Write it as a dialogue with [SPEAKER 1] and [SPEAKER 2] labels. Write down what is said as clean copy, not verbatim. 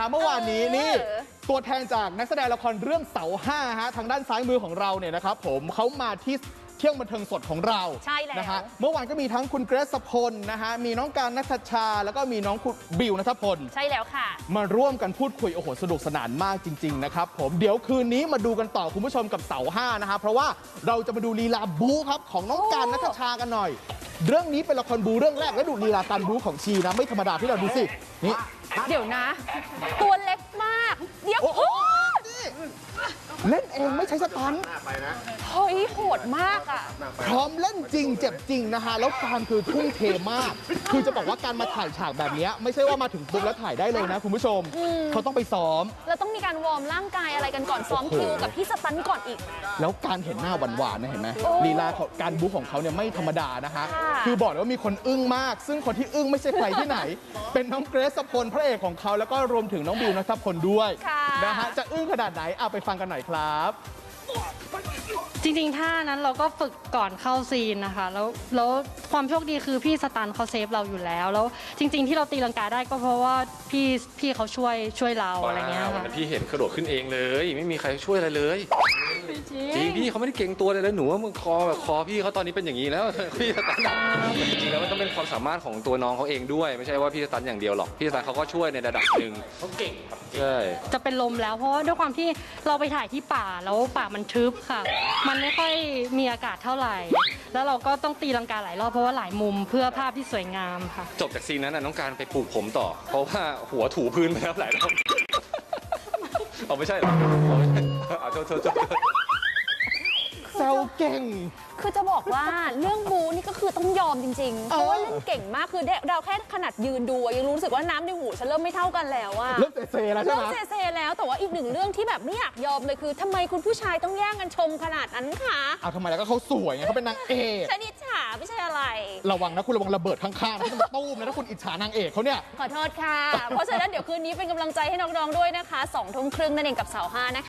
[SPEAKER 1] เมื่อวานนี้นี่ตัวแทนจากนักแสดงละครเรื่องเสาห้าฮะทางด้านซ้ายมือของเราเนี่ยนะครับผมเขามาที่เที่ยงบันเทิงสดของเรา
[SPEAKER 2] ใช่แล้ว
[SPEAKER 1] นะฮะเมื่อวานก็มีทั้งคุณเกรซพลนะฮะมีน้องการณัฐชาแล้วก็มีน้องคุณบิวณัฐพล
[SPEAKER 2] ใช่แล้วค่ะ
[SPEAKER 1] มาร่วมกันพูดคุยโอ้โหสนุกสนานมากจริงๆนะครับผมเดี๋ยวคืนนี้มาดูกันต่อคุณผู้ชมกับเสาห้านะฮะเพราะว่าเราจะมาดูลีลาบู๊ครับของน้องการณัฐชากันหน่อยเรื่องนี้เป็นละครบู๊เรื่องแรกและดูลีลาการบู๊ของชีนะไม่ธรรมดาที่เราดูสินี่
[SPEAKER 2] เดี๋ยวนะตัวเล็กมากเดี๋ยวโอ้
[SPEAKER 1] เล่นเองไม่ใช้สตันท์
[SPEAKER 2] เฮ้ยโหดมากอ่ะ
[SPEAKER 1] พร้อมเล่นจริงเจ็บจริงนะฮะแล้วการคือทุ่มเทมากคือจะบอกว่าการมาถ่ายฉากแบบนี้ไม่ใช่ว่ามาถึงปุ๊บแล้วถ่ายได้เลยนะคุณผู้ชมเขาต้องไปซ้อม
[SPEAKER 2] แล้วต้องมีการวอร์มร่างกายอะไรกันก่อนซ้อมคิวกับพี่สตันก่อนอีก
[SPEAKER 1] แล้วการเห็นหน้าหวานๆนะเห็นไหมลีลาการบู๊ของเขาเนี่ยไม่ธรรมดานะฮะคือบอกเลยว่ามีคนอึ้งมากซึ่งคนที่อึ้งไม่ใช่ใครที่ไหนเป็นน้องเกรซพลพระเอกของเขาแล้วก็รวมถึงน้องบิวณัฐพลด้วยนะฮะจะอึ้งขนาดไหนเอาไปฟังกันหน่อยครับ
[SPEAKER 3] จริงๆท่านั้นเราก็ฝึกก่อนเข้าซีนนะคะแล้วความโชคดีคือพี่สตันเขาเซฟเราอยู่แล้วจริงๆที่เราตีลังกาได้ก็เพราะว่าพี่เขาช่วยเราอะไรเงี้ยค่ะ
[SPEAKER 4] พี่เห็นกระโดดขึ้นเองเลยไม่มีใครช่วยอะไรเลยจริงพี่เขาไม่ได้เก่งตัวเลยนะหนูว่ามือคอพี่เขาตอนนี้เป็นอย่างนี้แล้วพี่สตันจริงๆแล้วมันต้องเป็นความสามารถของตัวน้องเขาเองด้วยไม่ใช่ว่าพี่สตันอย่างเดียวหรอกพี่สตันเขาก็ช่วยในระดับหนึ่งเขาเก่งครับใช่
[SPEAKER 3] จะเป็นลมแล้วเพราะว่าด้วยความที่เราไปถ่ายที่ป่าแล้วป่ามันทึบค่ะมันไม่ค่อยมีอากาศเท่าไหร่แล้วเราก็ต้องตีลังกาหลายรอบเพราะว่าหลายมุมเพื่อภาพที่สวยงามค่ะ
[SPEAKER 4] จบจากซีนนั้นน้องการไปปลูกผมต่อเพราะว่าหัวถูพื้นไปแล้วหลายรอบเอาไม่ใช่หรอเอาโทษ
[SPEAKER 1] แซวเก่ง
[SPEAKER 2] คือจะบอกว่าเรื่องบูนี่ก็คือต้องยอมจริงๆเพราะว่าเล่นเก่งมากคือเราแค่ขนาดยืนดูยังรู้สึกว่าน้ำในหูฉันเริ่มไม่เท่ากันแล้วอะ
[SPEAKER 1] เริ่มเซแล้วใช่ไหม
[SPEAKER 2] เริ่มเซแล้วแต่ว่าอีกหนึ่งเรื่องที่แบบไม่อยากยอมเลยคือทำไมคุณผู้ชายต้องแย่งกันชมขนาดนั้นคะ
[SPEAKER 1] เอาทำไมแล้วก็เขาสวยไงเขาเป็นนางเอก
[SPEAKER 2] ชนิดฉาไม่ใช่อะไร
[SPEAKER 1] ระวังนะคุณระวังระเบิดข้างๆนะที่มันตู้มนะถ้าคุณอิจฉานางเอกเขาเนี่ย
[SPEAKER 2] ขอโทษค่ะเพราะฉะนั้นเดี๋ยวคืนนี้เป็นกำลังใจให้น้องๆด้วยนะคะ 20:30 นนั่นเองกับเสาห้านะคะ